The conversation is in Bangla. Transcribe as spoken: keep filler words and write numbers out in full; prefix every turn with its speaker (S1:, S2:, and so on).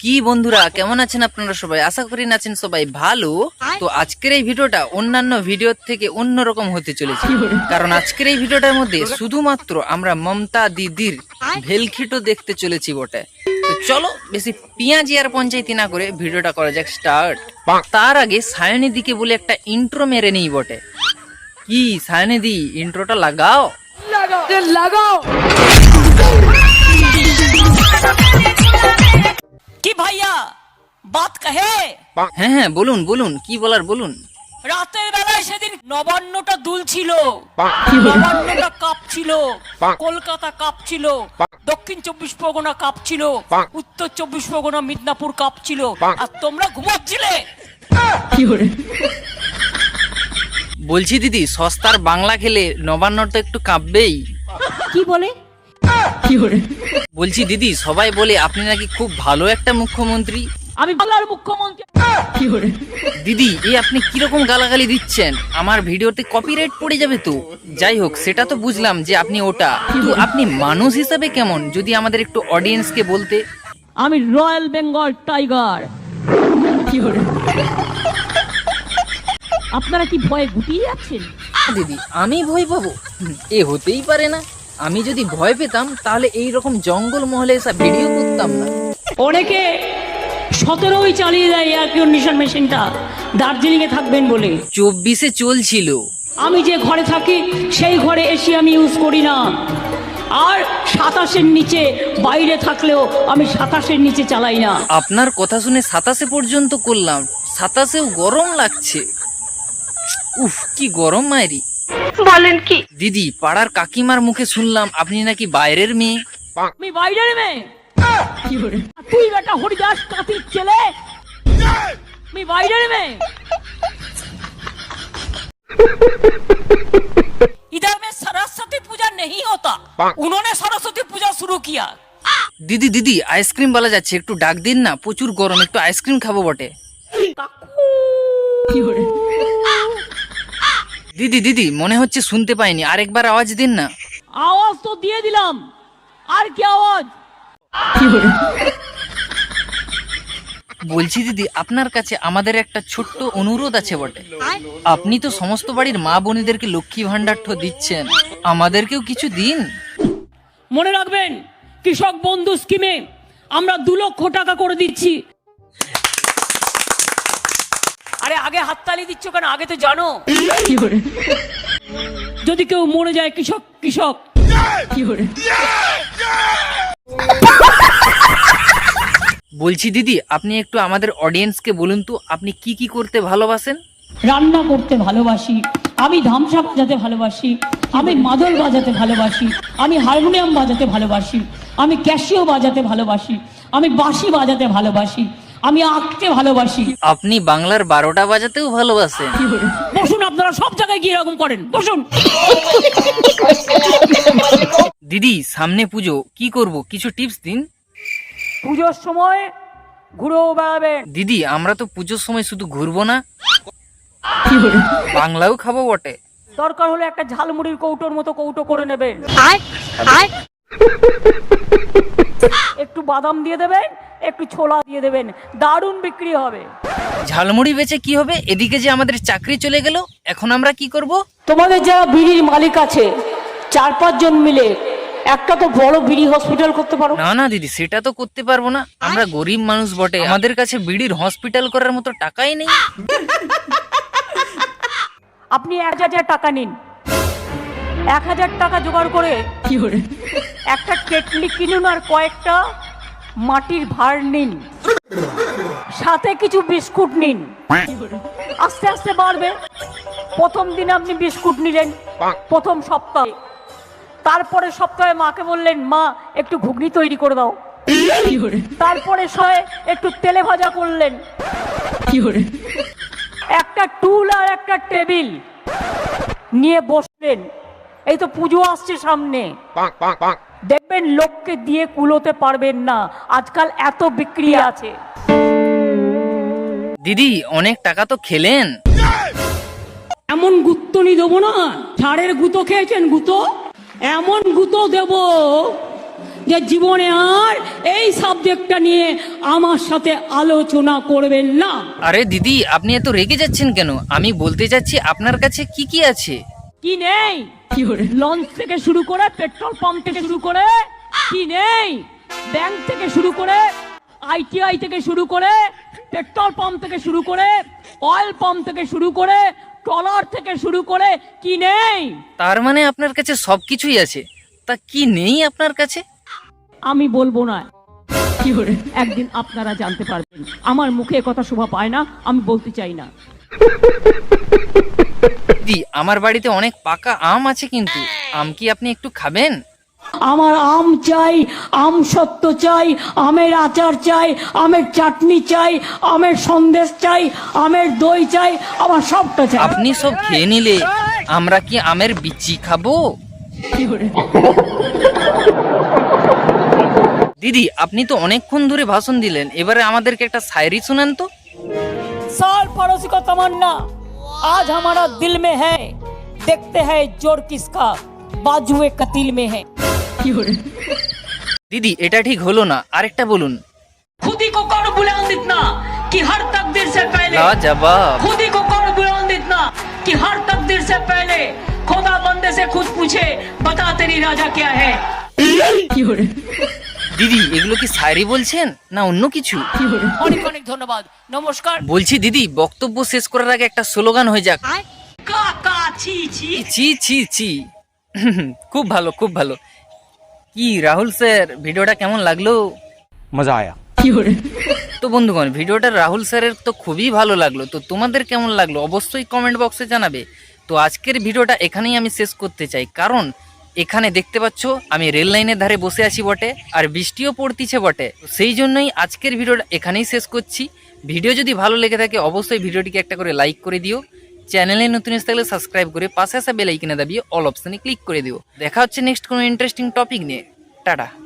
S1: কি বন্ধুরা কেমন আছেন আপনারা সবাই? আশা করি আছেন সবাই ভালো। তো আজকের এই ভিডিওটা অন্যান্য ভিডিওর থেকে অন্যরকম হতে চলেছে, কারণ আজকের এই ভিডিওটার মধ্যে শুধুমাত্র আমরা মমতা দিদির ভেলখিটো দেখতে চলেছি বটে। তো চলো বেশি পিঁয়াজি আর পঞ্চায়েতি না করে ভিডিওটা করা যাক স্টার্ট। তার আগে সায়নী দিকে বলে একটা ইন্ট্রো মেরে নেই বটে। কি সায়নী দি, ইন্ট্রোটা লাগাও লাগাও।
S2: কি ভাইয়া বাত কাহে?
S1: হ্যাঁ হ্যাঁ বলুন বলুন, কি বলার বলুন।
S2: রাতের বেলায় সেদিন নবান্নটা দুল ছিল, নবান্নটা কাপ ছিল, কলকাতা কাপ ছিল, দক্ষিণ চব্বিশ পরগনা কাপ ছিল, উত্তর চব্বিশ পরগনা মিদনাপুর কাপ ছিল, আর তোমরা ঘুমাচ্ছিলে।
S1: বলছি দিদি, সস্তার বাংলা খেলে নবান্ন তো একটু কাঁপবেই।
S2: কি বলে?
S1: বলছি দিদি, সবাই বলে আপনি নাকি খুব ভালো একটা মুখ্যমন্ত্রী।
S2: আমি বাংলার মুখ্যমন্ত্রী।
S1: দিদি এই আপনি কিরকম গালাগালি দিচ্ছেন? আমার ভিডিওতে কপিরাইট পড়ে যাবে তো। যাই হোক, সেটা তো বুঝলাম যে আপনি ওটা, কিন্তু আপনি মানুষ হিসাবে কেমন, যদি আমাদের একটু অডিয়েন্সকে বলতে।
S2: আমি রয়্যাল বেঙ্গল টাইগার। আপনারা কি ভয়ে গুটিয়ে যাচ্ছেন?
S1: দিদি আমি ভয় পাবো? এ হতেই পারে না। আমি যদি ভয় পেতাম তাহলে এই রকম জঙ্গল মহলে এসে ভিডিও করতাম না।
S2: অনেকে সতেরোই চালিয়ে দেয় এয়ার কন্ডিশন মেশিনটা দার্জিলিং এ থাকবেন বলে।
S1: চব্বিশে চলছিল।
S2: আমি যে ঘরে থাকি সেই ঘরে এসি আমি ইউজ করি না, আর সাতাশের নিচে বাইরে থাকলেও আমি সাতাশের নিচে চালাই না।
S1: আপনার কথা শুনে সাতাশে পর্যন্ত করলাম, সাতাশেও গরম লাগছে। উফ কি গরম মায়েরি।
S2: বলেন কি?
S1: দিদি পাড়ার কাকিমার মুখে শুনলাম আপনি নাকি বাইরের মেয়ে।
S2: আমি বাইরের মেয়ে? তুই বেটা হরিদাস কাতির ছেলে, আমি বাইরের মেয়ে। इधर में सरस्वती पूजा नहीं होता, उन्होंने सरस्वती पूजा शुरू किया।
S1: দিদি দিদি আইসক্রিম বলা যাচ্ছে, একটু ডাক দিন না, প্রচুর গরম, একটু আইসক্রিম খাবো বটে। দিদি দিদি মনে হচ্ছে শুনতে পাইনি, আরেকবার আওয়াজ দিন না।
S2: আওয়াজ তো দিয়ে দিলাম, আর কি আওয়াজ?
S1: বলছি দিদি, আপনার কাছে আমাদের একটা ছোট্ট অনুরোধ আছে বটে। আপনি তো সমস্ত বাড়ির মা বোনেদেরকে লক্ষ্মী ভান্ডার দিচ্ছেন, আমাদেরকেও কিছু দিন।
S2: মনে রাখবেন, কৃষক বন্ধু স্কিমে আমরা দু লক্ষ টাকা করে দিচ্ছি। আরে আগে হাততালি দিচ্ছ কেন? আগে তো জানো যদি কেউ মরে যায় কৃষক কৃষক।
S1: বলছি দিদি, আপনি একটু আমাদের অডিয়েন্সকে বলুন তো, আপনি কি কি করতে ভালোবাসেন?
S2: রান্না করতে ভালোবাসি, আমি ধামসা বাজাতে ভালোবাসি, আমি মাদল বাজাতে ভালোবাসি, আমি হারমোনিয়াম বাজাতে ভালোবাসি, আমি ক্যাসিও বাজাতে ভালোবাসি, আমি বাঁশি বাজাতে ভালোবাসি, আমি আঁকতে ভালোবাসি।
S1: আপনি বাংলার বারোটা বাজাতেও ভালোবাসেন।
S2: বসুন, আপনারা সব জায়গায় গিয়ে এরকম করেন, বসুন।
S1: দিদি সামনে পুজো, কি করব, কিছু টিপস দিন।
S2: পুজোর সময় ঘুরেও বেড়াবেন।
S1: দিদি আমরা তো পুজোর সময় শুধু ঘুরবো না, বাংলাও খাবো বটে।
S2: দরকার হলে একটা ঝালমুড়ির কৌটোর মতো কৌটো করে নেবেন, একটু বাদাম দিয়ে দেবেন, একটু ছোলা দিয়ে দেবেন, দারুণ বিক্রি হবে।
S1: ঝালমুড়ি বেচে কি হবে? এদিকে যে আমাদের চাকরি চলে গেল, এখন আমরা কি করব?
S2: তোমাদের যারা বিড়ির মালিক আছে, চার পাঁচ জন মিলে একটা তো বড় বিড়ি হসপিটাল করতে পারো।
S1: না না দিদি, সেটা তো করতে পারবো না, আমরা গরিব মানুষ বটে, আমাদের কাছে বিড়ির হসপিটাল করার মতো টাকাই নেই।
S2: আপনি এক হাজার টাকা নিন, এক হাজার টাকা জোগাড় করে একটা কেটলি কিনুন, আর কয়েকটা মাটির ভাঁড় নিন, সাথে কিছু বিস্কুট নিন। আস্তে আস্তে বাড়বে। প্রথম দিন আপনি বিস্কুট নিলেন প্রথম সপ্তাহে, তারপরে সপ্তাহে মাকে বললেন মা একটু ঘুগনি তৈরি করে দাও, তারপরে সয়ে একটু তেলে ভাজা করলেন। একটা টুল আর একটা টেবিল নিয়ে বসলেন। এই তো পুজো আসছে সামনে, দেখবেন লোককে দিয়ে কুলোতে পারবেন না, আজকাল এত বিক্রি আছে।
S1: দিদি অনেক টাকা তো খেলেন।
S2: এমন গুত্তনি দেবো না, ঝাড়ের গুঁতো খেয়েছেন, গুঁতো এমন গুঁতো দেব যে জীবনে আর এই সাবজেক্টটা নিয়ে আমার সাথে আলোচনা করবেন না।
S1: আরে দিদি, আপনি এত রেগে যাচ্ছেন কেন? আমি বলতে চাচ্ছি আপনার কাছে কি কি আছে।
S2: কি নেই? লঞ্চ থেকে শুরু করে পেট্রোল পাম্প থেকে শুরু করে কি নেই? ব্যাংক থেকে শুরু করে আইটিআই থেকে শুরু করে পেট্রোল পাম্প থেকে শুরু করে অয়েল পাম্প থেকে শুরু করে ট্রলার থেকে শুরু করে কি নেই?
S1: তার মানে আপনার কাছে সবকিছুই আছে। তা কি নেই আপনার কাছে?
S2: আমি বলবো না, একদিন আপনারা জানতে পারবেন। আমার মুখে এ কথা শোভা পায় না, আমি বলতে চাই না।
S1: দিদি, আমার বাড়িতে অনেক পাকা আম আছে, কিন্তু আম কি আপনি একটু খাবেন?
S2: আমার আম চাই, আম সত্য চাই, আমের আচার চাই, আমের চাটনি চাই, আমের সন্দেশ চাই, আমের দই চাই, আমার সবটা চাই।
S1: আপনি সব খেয়ে নিলে আমরা কি আমের বিচি খাবো? দিদি, আপনি তো অনেকক্ষণ ধরে ভাষণ দিলেন, এবারে আমাদেরকে একটা শায়রি শোনান তো।
S2: साल पड़ोसी का तमन्ना आज हमारा दिल में है, देखते हैं जोर किसका बाजुए कतील में है।
S1: দিদি, এটা ঠিক হলো না, আরেকটা বলুন।
S2: खुद ही को कौन बुलंद इतना कि हर तकदीर से पहले,
S1: लाजवाब।
S2: खुद ही को कौन बुलंद इतना कि हर तकदीर से पहले खुदा बंदे से खुद पूछे बता तेरी राजा क्या है।
S1: দিদি, এগুলো কি শায়রি বলছেন না অন্য কিছু?
S2: অনেক অনেক ধন্যবাদ, নমস্কার।
S1: বলছি দিদি, বক্তব্য শেষ করার আগে একটা স্লোগান হয়ে যাক।
S2: কাকা ছি ছি
S1: ছি ছি ছি। খুব ভালো, খুব ভালো। কি রাহুল স্যার, ভিডিওটা কেমন লাগলো?
S3: मजा आया।
S1: তো বন্ধুগণ, ভিডিওটা রাহুল স্যারের তো খুবই ভালো লাগলো। তো তোমাদের কেমন লাগলো অবশ্যই কমেন্ট বক্সে জানাবে। তো আজকের ভিডিওটা এখানেই আমি শেষ করতে চাই, কারণ এখানে দেখতে পাচ্ছ আমি রেল লাইনের ধারে বসে আছি বটে, আর বৃষ্টিও পড়তিছে বটে। সেই জন্যই আজকের ভিডিওটা এখানেই শেষ করছি। ভিডিও যদি ভালো লেগে থাকে অবশ্যই ভিডিওটিকে একটা করে লাইক করে দিও। চ্যানেলে নতুন এসে থাকলে সাবস্ক্রাইব করে পাশে আসা বেল আইকনে দাবিয়ে অল অপশনে ক্লিক করে দিও। দেখা হচ্ছে নেক্সট কোনো ইন্টারেস্টিং টপিক নিয়ে। টাটা।